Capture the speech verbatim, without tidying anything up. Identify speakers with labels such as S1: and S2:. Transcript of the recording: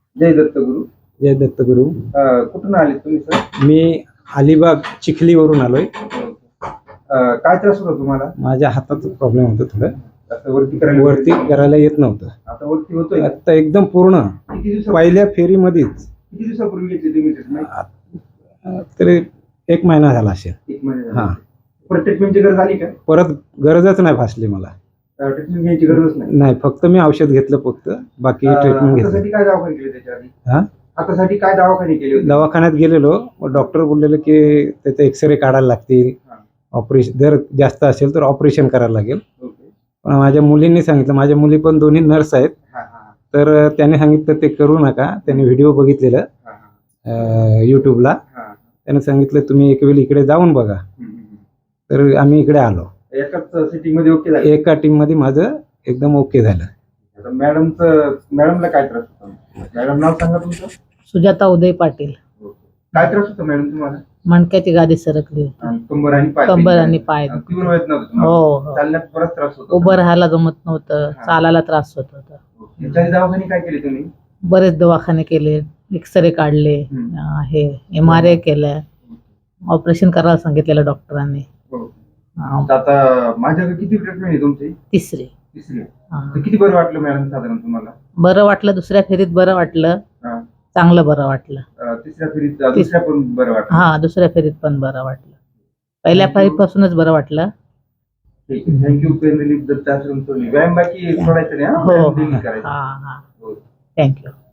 S1: जय दत्तगुरु.
S2: जय दत्तगुरु.
S1: अ, कुठून आले तुम्ही सर?
S2: मी अलिबाग चिखलीवरून आलोय.
S1: अ, काय त्रास होता तुम्हाला?
S2: माझ्या हाताचा प्रॉब्लेम होता थोडं.
S1: आता वरती करायला
S2: वरती करायला येत नव्हतं.
S1: आता वरती होतोय.
S2: आता एकदम पूर्ण
S1: किती दिवसा
S2: पहिल्या फेरीमध्येच.
S1: किती दिवसापूर्वी घेतली तुम्ही ट्रीटमेंट?
S2: तरी एक महिना झाला असेल.
S1: एक महिना झाला.
S2: हा.
S1: परत ट्रीटमेंटची गरज आली का?
S2: परत गरजच नाही भासली मला.
S1: ट्रीटमेंट घ्यायची गरजच नाही.
S2: नाही, फक्त मी औषध घेतलं फक्त, बाकी ट्रीटमेंट घेतली.
S1: हातासाठी काय दवाखाने केले त्याच्या आधी?
S2: हा,
S1: हातासाठी काय दवाखाने केले होते?
S2: दवाखान्यात गेलेलो, डॉक्टर बोललेले की त्याचे एक्सरे काढायला लागतील, ऑपरेशन जर जास्त असेल तर ऑपरेशन करायला लागेल. पण माझ्या मुलींनी सांगितलं, माझ्या मुली पण दोन्ही नर्स आहेत, तर त्याने सांगितलं ते करू नका. त्याने व्हिडिओ बघितलेलं यूट्यूबला, त्याने सांगितलं तुम्ही एक वेळ इकडे जाऊन बघा. तर आम्ही इकडे आलो.
S1: एकाच सिटिंग मध्ये ओके झालं?
S2: एका टीम मध्ये माझं एकदम ओके झालं.
S1: मॅडमचं मॅडमला काय त्रास होता? मॅडम नाव सांगा तुमचं.
S3: सुजाता उदय पाटील.
S1: काय त्रास होता मॅडम तुम्हाला?
S3: मणक्याची गादी सरकली होती.
S1: कंबर आणि पाय.
S3: कंबर आणि पाय.
S1: तीव्र वेदना होती
S3: हो
S1: तुम्हाला?
S3: हो.
S1: चालण्यात बराच त्रास होता?
S3: उभं राहायला जमत नव्हतं, चालायला त्रास होत होता.
S1: याच्या आधी दवाखाने काय केले तुम्ही?
S3: बरेच दवाखाने केले, एक्सरे काढले, हे एम आर आय केलं, ऑपरेशन करायला सांगितलेलं डॉक्टरांनी.
S1: आता माझ्याकडे किती ट्रीटमेंट आहे तुमची?
S3: तिसरी.
S1: तिसरी. तर किती बरं वाटलं मॅडम साधारण तुम्हाला?
S3: बरं वाटलं, दुसऱ्या फेरीत बरं वाटलं, चांगलं बरं वाटलं.
S1: तिसऱ्या फेरीत दुसऱ्या पण बरं वाटलं?
S3: हा, दुसऱ्या फेरीत पण बरं वाटलं. पहिल्या फेरीपासूनच बरं वाटलं.
S1: थँक्यू. पेन रिलीफ दत्ताश्रम सोडली. व्यायाम बाकी सोडायचं नाही?
S3: हो. हा हा. थँक्यू.